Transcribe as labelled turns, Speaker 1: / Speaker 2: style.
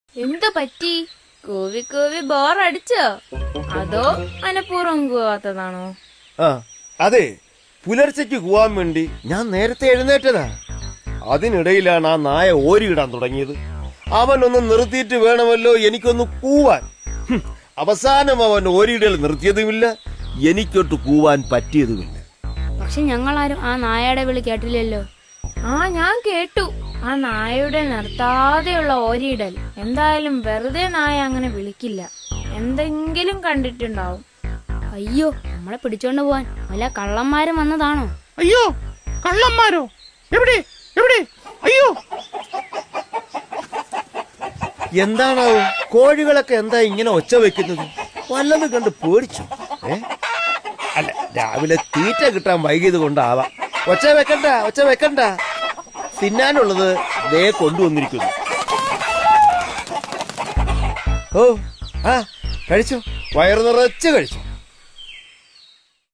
Speaker 1: എന്തു പറ്റി? കൂവി കൂവി ബോറടിച്ചോ? അതോ മനഃപൂർവ്വം കൂവാത്തതാണോ?
Speaker 2: അതെ, പുലർച്ചയ്ക്ക് കൂവാൻ വേണ്ടി ഞാൻ നേരത്തെ എഴുന്നേറ്റതാ. അതിനിടയിലാണ് ആ നായ ഓരിയിടാൻ തുടങ്ങിയത്. അവനൊന്ന് നിർത്തിയിട്ട് വേണമല്ലോ എനിക്കൊന്ന് കൂവാൻ. അവസാനം അവൻ ഓരിയിടൽ നിർത്തിയതുമില്ല, എനിക്കൊട്ട് കൂവാൻ പറ്റിയതുമില്ല.
Speaker 3: പക്ഷെ ഞങ്ങളാരും ആ നായയുടെ വിളി കേട്ടില്ലല്ലോ.
Speaker 1: ഞാൻ കേട്ടു. ആ നായയുടെ നിർത്താതെയുള്ള ഓരിയിടൽ. എന്തായാലും വെറുതെ നായ അങ്ങനെ വിളിക്കില്ല. എന്തെങ്കിലും കണ്ടിട്ടുണ്ടാവും.
Speaker 3: അയ്യോ, നമ്മളെ പിടിച്ചോണ്ട് പോവാൻ വല്ല കള്ളന്മാരും വന്നതാണോ?
Speaker 4: അയ്യോ, കള്ളന്മാരോ? എവിടെ എവിടെ? അയ്യോ,
Speaker 2: എന്താണാവും കോഴികളൊക്കെ എന്താ ഇങ്ങനെ ഒച്ച വെക്കുന്നത്? വല്ലതും കണ്ട് പേടിച്ചു? അല്ല, രാവിലെ തീറ്റ കിട്ടാൻ വൈകിയത് കൊണ്ടാവാം. ഒച്ച വെക്കണ്ട. തിന്നാനുള്ളത് ദേ കൊണ്ടുവന്നിരിക്കുന്നു. കഴിച്ചോ, വയറു നിറച്ച് കഴിച്ചു.